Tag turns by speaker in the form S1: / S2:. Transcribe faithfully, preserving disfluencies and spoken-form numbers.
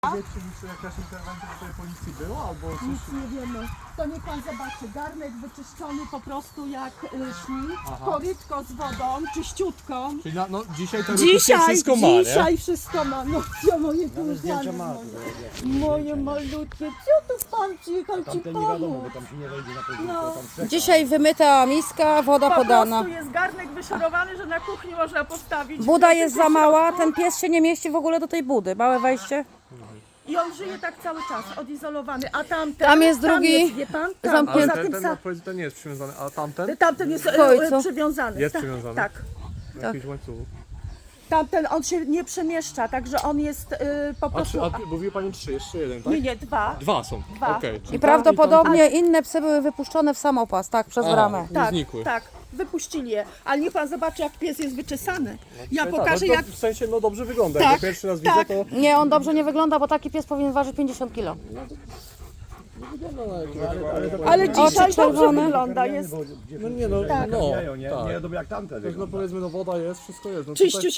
S1: Wiecie, czy jakaś interwencja do tej policji była albo coś?
S2: Nic nie wiemy. To niech pan zobaczy, garnek wyczyszczony po prostu jak y, śni, korytko z wodą, czyściutką.
S1: Czyli na, no, dzisiaj to
S2: Dzisiaj,
S1: wszystko ma, nie?
S2: dzisiaj wszystko ma. No co moje kochane, moje, moje malutkie, co tu pan przyjechał ci
S3: Tamten nie wiadomo, bo
S2: pomóc?
S3: tam się nie wejdzie na podwórko,
S2: No.
S3: tam czeka.
S4: Dzisiaj wymyta miska, woda
S2: Po
S4: podana.
S2: prostu jest garnek wyszorowany, że na kuchni można postawić.
S4: Buda jest za mała,
S2: środku.
S4: ten pies się nie mieści w ogóle do tej budy. Małe wejście.
S2: I on żyje tak cały czas, odizolowany. A tamten,
S4: Tam jest
S2: tam
S4: drugi
S2: jest, wie pan? Tam,
S4: zamknięty.
S2: poza
S1: Ale
S2: tym
S1: ten,
S2: sa-
S1: ten, powiedz, ten nie jest przywiązany, a tamten?
S2: tamten jest
S4: W końcu.
S2: e, przywiązany.
S1: Jest
S2: tak,
S1: przywiązany?
S2: Tak.
S1: W jakimś łańcuchu.
S2: Tamten on się nie przemieszcza, także on jest y, po
S1: A,
S2: prostu.
S1: trzy, a ty, mówił pani trzy, jeszcze jeden, tak?
S2: Nie, nie, dwa.
S1: Dwa są,
S2: Dwa.
S1: okej. czyli
S4: I
S1: tam
S4: prawdopodobnie inne psy były wypuszczone w samopas, tak, przez
S1: Aha.
S4: bramę.
S1: Nie
S2: Tak,
S1: znikły.
S2: tak, wypuścili je. Ale niech pan zobaczy, jak pies jest wyczesany. Ja
S1: tam,
S2: pokażę,
S1: tak, no,
S2: jak.
S1: to w sensie, no dobrze wygląda,
S2: Tak,
S1: jak go pierwszy raz
S2: tak.
S1: widzę, to...
S4: Nie, on dobrze nie wygląda, bo taki pies powinien ważyć pięćdziesiąt kilo.
S2: Ale dzisiaj dobrze
S4: czerwone.
S2: wygląda. Jest
S1: No nie no,
S3: Tak.
S1: no,
S3: Nie, nie,
S1: tak.
S3: nie wiadomo jak tamten
S1: No
S3: wygląda.
S1: powiedzmy, no woda jest, wszystko jest. No
S2: czyściu
S1: tutaj-